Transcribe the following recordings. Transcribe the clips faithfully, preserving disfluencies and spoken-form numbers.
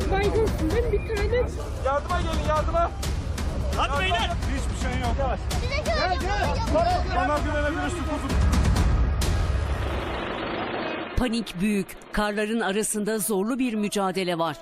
Baygınsın değil mi? Bir tane. Yardıma gelin, yardıma. Hadi beyler. Hiçbir şey yok. Yavaş. Gel gel. Bana güvenebilirsin kuzum. Panik büyük. Karların arasında zorlu bir mücadele var.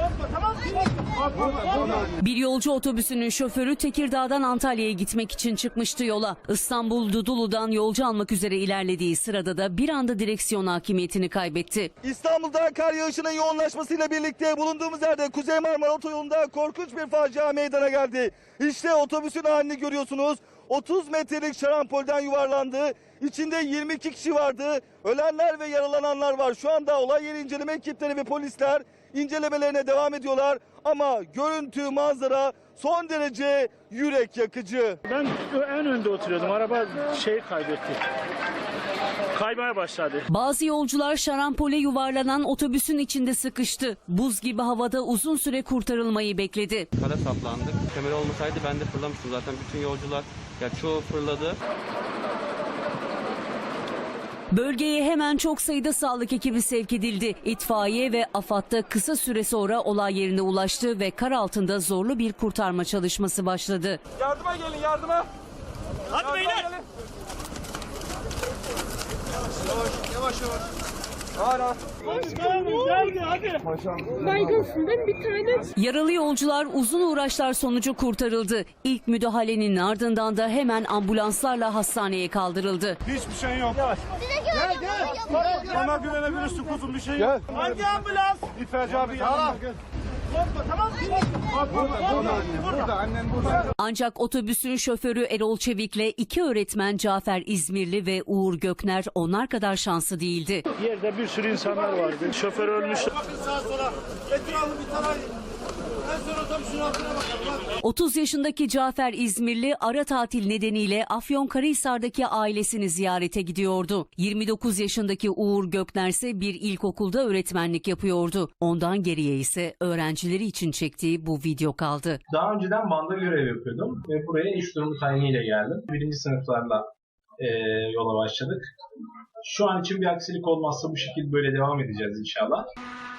Bir yolcu otobüsünün şoförü Tekirdağ'dan Antalya'ya gitmek için çıkmıştı yola. İstanbul Dudullu'dan yolcu almak üzere ilerlediği sırada da bir anda direksiyon hakimiyetini kaybetti. İstanbul'da kar yağışının yoğunlaşmasıyla birlikte bulunduğumuz yerde Kuzey Marmara Otoyolu'nda korkunç bir facia meydana geldi. İşte otobüsün halini görüyorsunuz. otuz metrelik şarampolden yuvarlandı. İçinde yirmi iki kişi vardı. Ölenler ve yaralananlar var. Şu anda olay yeri inceleme ekipleri ve polisler incelemelerine devam ediyorlar. Ama görüntü, manzara son derece yürek yakıcı. Ben en önde oturuyordum. Araba şey kaybetti. Kaymaya başladı. Bazı yolcular şarampole yuvarlanan otobüsün içinde sıkıştı. Buz gibi havada uzun süre kurtarılmayı bekledi. Kara saplandık. Kemer olmasaydı ben de fırlamıştım zaten. Bütün yolcular, ya çoğu fırladı. Bölgeye hemen çok sayıda sağlık ekibi sevk edildi. İtfaiye ve AFAD da kısa süre sonra olay yerine ulaştı ve kar altında zorlu bir kurtarma çalışması başladı. Yardıma gelin, yardıma. Hadi Yardıma beyler. gelin. Yavaş, yavaş, yavaş. Hala. Geldi hadi. Baygınsın değil mi? Bir tane. Yaralı yolcular uzun uğraşlar sonucu kurtarıldı. İlk müdahalenin ardından da hemen ambulanslarla hastaneye kaldırıldı. Hiçbir şey yok. Yavaş. Gel gel. Bana güvenebilirsin kuzum, bir şey yok. Hangi ambulans? İtfaiyeci abi yanımda. Tamam. Burada, annen burada. Ancak otobüsün şoförü Erol Çevik'le iki öğretmen Cafer İzmirli ve Uğur Gökner onlar kadar şanslı değildi. Yerde bir sürü insanlar vardı. Şoför ölmüş. Bakın sağa sola. Etrafı bir tarayın. En son otobüsün altına bakalım. otuz yaşındaki Cafer İzmirli ara tatil nedeniyle Afyonkarahisar'daki ailesini ziyarete gidiyordu. yirmi dokuz yaşındaki Uğur Gökner ise bir ilkokulda öğretmenlik yapıyordu. Ondan geriye ise öğrencileri için çektiği bu video kaldı. Daha önceden Van'da görev yapıyordum ve buraya iş durumu tayiniyle geldim. Birinci sınıflarla e, yola başladık. Şu an için bir aksilik olmazsa bu şekilde böyle devam edeceğiz inşallah.